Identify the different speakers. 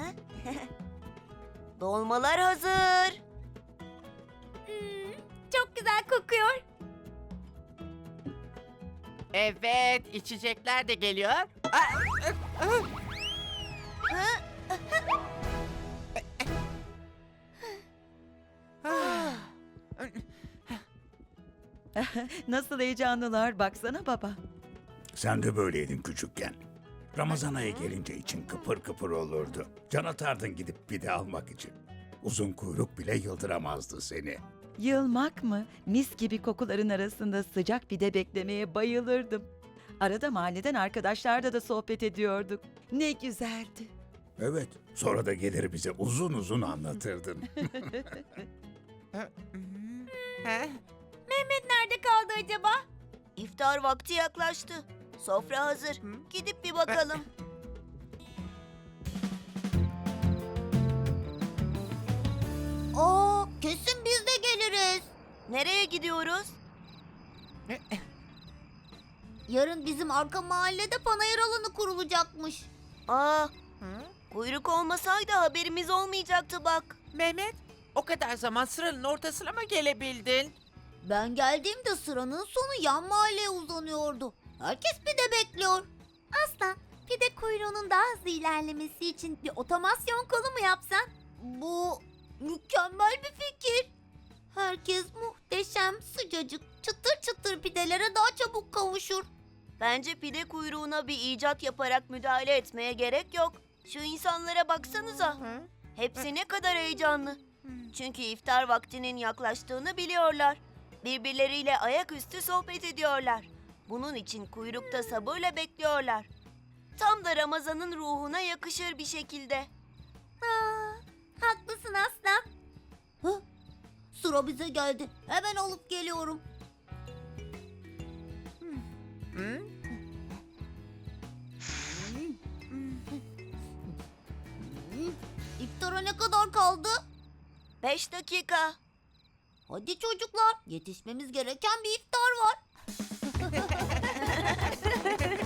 Speaker 1: Dolmalar hazır.
Speaker 2: Çok güzel kokuyor.
Speaker 3: Evet, içecekler de geliyor.
Speaker 4: Nasıl heyecanlılar, baksana baba.
Speaker 5: Sen de böyleydin küçükken. Ramazan ayı gelince için kıpır kıpır olurdu. Can atardın gidip pide almak için. Uzun kuyruk bile yıldıramazdı seni.
Speaker 4: Yılmak mı? Mis gibi kokuların arasında sıcak pide beklemeye bayılırdım. Arada mahalleden arkadaşlarla da sohbet ediyorduk. Ne güzeldi.
Speaker 5: Evet, sonra da gelir bize uzun uzun anlatırdın.
Speaker 2: Nerede kaldı acaba?
Speaker 1: İftar vakti yaklaştı. Sofra hazır. Gidip bir bakalım.
Speaker 2: Kesin biz de geliriz.
Speaker 1: Nereye gidiyoruz?
Speaker 2: Yarın bizim arka mahallede panayır alanı kurulacakmış.
Speaker 1: Aa, kuyruk olmasaydı haberimiz olmayacaktı bak.
Speaker 3: Mehmet, o kadar zaman sıranın ortasına mı gelebildin?
Speaker 2: Ben geldiğimde sıranın sonu yan mahalleye uzanıyordu. Herkes pide bekliyor. Aslan, pide kuyruğunun daha hızlı ilerlemesi için bir otomasyon kolu mu yapsan? Bu mükemmel bir fikir. Herkes muhteşem, sıcacık, çıtır çıtır pidelere daha çabuk kavuşur.
Speaker 1: Bence pide kuyruğuna bir icat yaparak müdahale etmeye gerek yok. Şu insanlara baksanıza. Hepsi ne kadar heyecanlı. Çünkü iftar vaktinin yaklaştığını biliyorlar. Birbirleriyle ayaküstü sohbet ediyorlar. Bunun için kuyrukta sabırla bekliyorlar. Tam da Ramazan'ın ruhuna yakışır bir şekilde.
Speaker 2: Haklısın Aslan. Sıra bize geldi. Hemen alıp geliyorum. İftara ne kadar kaldı?
Speaker 1: 5 dakika.
Speaker 2: Hadi çocuklar, yetişmemiz gereken bir iftar var.